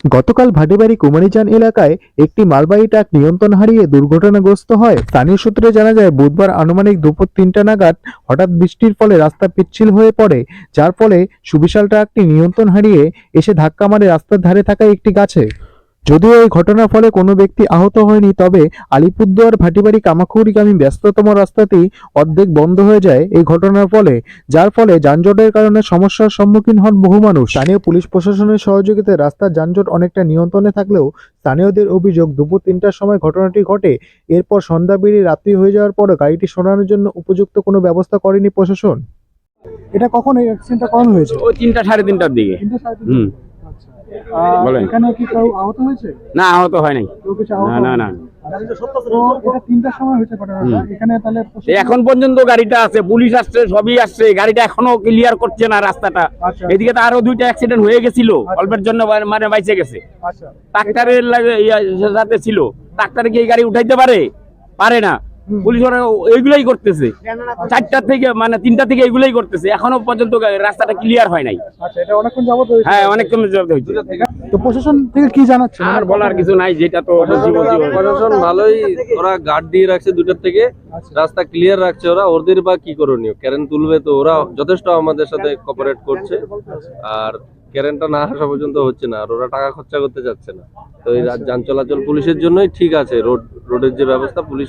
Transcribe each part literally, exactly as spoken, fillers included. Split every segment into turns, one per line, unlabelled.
গতকাল ভাটিবাড়ি কুমারীচান এলাকায় একটি মালবাহী ট্রাক নিয়ন্ত্রণ হারিয়ে দুর্ঘটনাগ্রস্ত হয়। স্থানীয় সূত্রে জানা যায়, বুধবার আনুমানিক দুপুর তিনটা নাগাদ হঠাৎ বৃষ্টির ফলে রাস্তা পিচ্ছিল হয়ে পড়ে, যার ফলে সুবিশাল ট্রাকটি নিয়ন্ত্রণ হারিয়ে এসে ধাক্কা মারে রাস্তার ধারে থাকা একটি গাছে। যদিও এই ঘটনার ফলে কোনো ব্যক্তি আহত হয়নি, তবে আলিপুরদুয়ার ভাটিবাড়ি কামাখ্যাগামী ব্যস্ততম রাস্তাটি অর্ধেক বন্ধ হয়ে যায় এই ঘটনার ফলে, যার ফলে যানজটের কারণে সমস্যার সম্মুখীন হন বহু মানুষ। স্থানীয় পুলিশ প্রশাসনের সহযোগিতায় রাস্তার যানজট অনেকটা নিয়ন্ত্রণে থাকলেও স্থানীয়দের অভিযোগ, দুপুর তিনটার সময় ঘটনাটি ঘটে। এরপর সন্ধ্যা বেরিয়ে রাত্রি হয়ে যাওয়ার পরও গাড়িটি সরানোর জন্য উপযুক্ত কোনো ব্যবস্থা করেনি প্রশাসন। এটা কখন এই অ্যাক্সিডেন্টটা কখন হয়েছে?
ওই তিনটা সাড়ে তিনটার দিকে। হুম, বলেন।
এখানে কি কেউ আহত হয়েছে?
না, আহত হয় নাই।
কেউ কিছু আহত
না না না
তো এটা তিনটার সময় হয়েছে ঘটনাটা। এখানে তাহলে প্রশাসন-
এখন পর্যন্ত গাড়িটা আছে, পুলিশ আসছে, সবই আসছে, গাড়িটা এখনো ক্লিয়ার করছে না রাস্তাটা।
আচ্ছা।
এদিকে তো আরো দুইটা অ্যাক্সিডেন্ট হয়ে গেছিল, অল্পের জন্য মানে বাইচে গেছে।
আচ্ছা,
ট্রাক্টরের লাগে- ইয়া সাথে ছিল, ট্রাক্টরে কি এই গাড়ি উঠাইতে পারে? পারে না। পুলিশ ওরা এইগুলাই করতেছে, চারটা থেকে মানে তিনটা থেকে এইগুলাই করতেছে, এখনো পর্যন্ত গা- রাস্তাটা ক্লিয়ার হয় নাই।
আচ্ছা, এটা অনেকক্ষণ যাবত হয়েছে।
হ্যাঁ, অনেকক্ষণ জব্দ হয়েছে।
তো প্রশাসন থেকে কি জানাচ্ছে?
আর বলার কিছু নাই, যেটা তো জীবন জীবন।
প্রশাসন ভালোই, ওরা গার্ড দিয়ে রাখছে দুটার থেকে, রাস্তা ক্লিয়ার রাখছে ওরা। ওদের বা কি করণীয়, কারেন্ট তুলবে তো ওরা যথেষ্ট আমাদের সাথে কোঅপারেট করছে, আর কারেন্টটা না আসা পর্যন্ত হচ্ছে না, আর ওরা টাকা খরচা করতে চাচ্ছে না। তো এই রাত যান চলাচল পুলিশের জন্যই ঠিক আছে, রোড রোডের যে ব্যবস্থা পুলিশ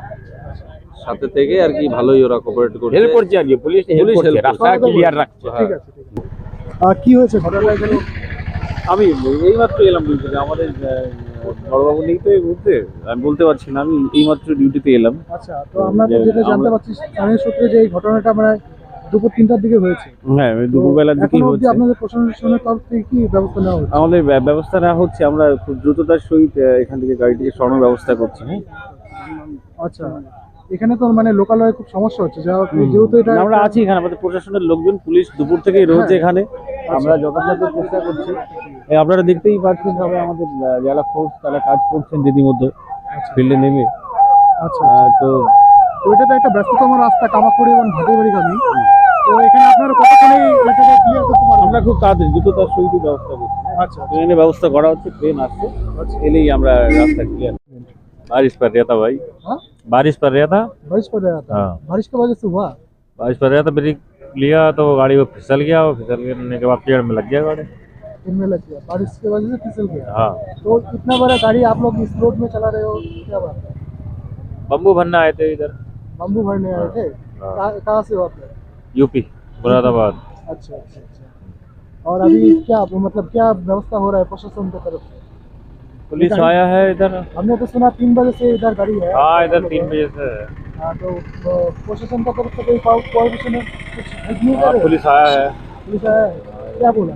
সাথে থেকে আর কি ভালোই ওরা কোঅপারেট করছে,
হেল্প করছে আর কি, পুলিশ হেল্প
পুলিশ
করছে,
help
রাস্তা
করছে।
ক্লিয়ার রাখছে।
হ্যাঁ।
ঠিক আছে, ঠিক আছে। আর কি হয়েছে ঘটনাটা এখানে?
আমি এইমাত্র এলাম ডিউটিতে, আমাদের বড়বাবু নেই তো এই মুহূর্তে, আমি বলতে পারছি না, আমি এইমাত্র ডিউটিতে এলাম।
আচ্ছা, তো আমরা তো যেটা জানতে পারছি স্থানীয় সূত্রে যে এই ঘটনাটা মানে দুপুর তিনটার দিকে হয়েছে।
হ্যাঁ, ওই দুপুরবেলার দিকেই
এখনো অবধি
হচ্ছে।
আপনাদের প্রশাসনের তরফ থেকে কি ব্যবস্থা নেওয়া হচ্ছে?
আমাদের ব্য- ব্যবস্থা নেওয়া হচ্ছে, আমরা খুব দ্রুততার সহিত আহ, এখান থেকে গাড়িটিকে সরানোর ব্যবস্থা করছি। হ্যাঁ,
আচ্ছা, এখানে তো মানে লোকালয়ে খুব সমস্যা হচ্ছে, যা যেহেতু এটা
আমরা আছি এখানে, আমাদের প্রশাসনের লোকজন, পুলিশ দুপুর থেকেই রয়েছে এখানে, আমরা যথাযথ চেষ্টা করছি। এই আপনারা দেখতেই পাচ্ছেন, সবাই আমাদের আহ, যারা ফোর্স তারা কাজ করছেন রীতিমতো ফিল্ডে নেমে।
আচ্ছা,
আহ, তো
তো এটা তো একটা ব্যস্ততম রাস্তা, কামাখ্যাগুড়ি এবং ভাটিবাড়িগামী। তো এখানে আপনারা কতক্ষণে এটাকে ক্লিয়ার করতে পারবেন?
আমরা খুব তাড়াতাড়ি দ্রুততার সহিত ব্যবস্থা করছি।
আচ্ছা,
ट्रेन व्यवस्था करा होच्छे, ट्रेन आसছে, এলেই আমরা রাস্তা ক্লিয়ার। बारिश पड़ रहा था भाई,
हाँ?
बारिश पड़ रहा था।
बारिश पड़ रहा था।
हाँ।
बारिश की वजह से हुआ?
बारिश पड़ रहा था, ब्रेक लिया तो गाड़ी वो फिसल गया, और फिसलने के बाद पेड़ में लग गया गाड़ी।
इनमें लग गया, बारिश की वजह से फिसल गया।
हाँ,
तो इतना बड़ा गाड़ी आप लोग इस रोड में चला रहे हो, क्या बात है?
बम्बू भरना आए थे इधर,
बम्बू भरने आए थे?
हाँ।
कहाँ कहाँ से हो आप लोग?
यूपी मुरादाबाद।
अच्छा, अच्छा, अच्छा। और अभी क्या मतलब क्या व्यवस्था हो रहा है प्रशासन की तरफ से?
पुलिस आया है इधर।
हमने तो सुना तीन बजे से इधर गाड़ी है।
हाँ, इधर तीन बजे से है।
हाँ, तो अ, प्रशासन की तरफ से कोई कोऑर्डिनेशन है? कुछ हेल्प नहीं कर
हाँ,
रहे?
पुलिस आया है,
पुलिस आया है? क्या बोला?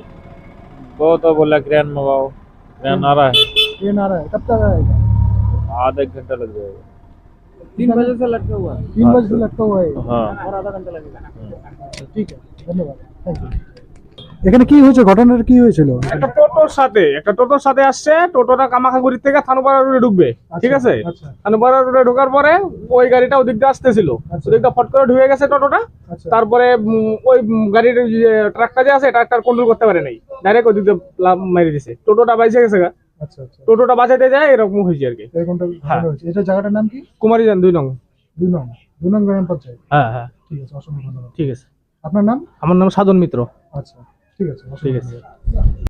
वो तो बोला क्रेन मंगाओ, क्रेन आ रहा है,
ट्रेन आ रहा है, कब तक आएगा?
आधा एक घंटा लग जाएगा।
तीन बजे से लटका हुआ है। तीन बजे से लटका हुआ है
हाँ।
और आधा घंटा लगेगा। ठीक है, धन्यवाद, थैंक यू। এখানে কি হয়েছে, ঘটনাটা কি হয়েছিল?
একটা টোটোর সাথে একটা টোটোর সাথে আসছে, টোটোটা কামাখ্যাগুড়ি থেকে থানুপাড়া রোডে ঢুকবে, ঠিক আছে?
আচ্ছা,
থানুপাড়া রোডে ঢোকার পরে ওই গাড়িটা ওদিক দিয়ে আসতেছিল,
আচ্ছা।
ওদিকটা ফট করে ঢুকে গেছে টোটোটা।
আচ্ছা,
তারপরে উম, ওই উম, গাড়ির যে ট্রাকটা যে আছে ট্রাকটার কন্ট্রোল করতে পারে নাই, ডাইরেক্ট ওদিক দিয়ে লাফ মেরে দিছে, টোটোটা বাইচে গেছে গা।
আচ্ছা, আচ্ছা।
টোটোটা বাঁচাতে যায় এরকম হয়েছে আর কি।
এরকমটা
হ্যাঁ।
হয়েছে। এটা জায়গাটার নাম কি?
কুমারীজান দুই নং।
দুই নং, দুই নং গ্রাম পঞ্চায়েত।
হ্যাঁ হ্যাঁ,
ঠিক আছে, অসংখ্য ধন্যবাদ।
ঠিক আছে।
আপনার নাম?
আমার নাম সাধন মিত্র।
আচ্ছা, ঠিক আছে,
ঠিক
অসংখ্য
আছে।
ধন্যবাদ।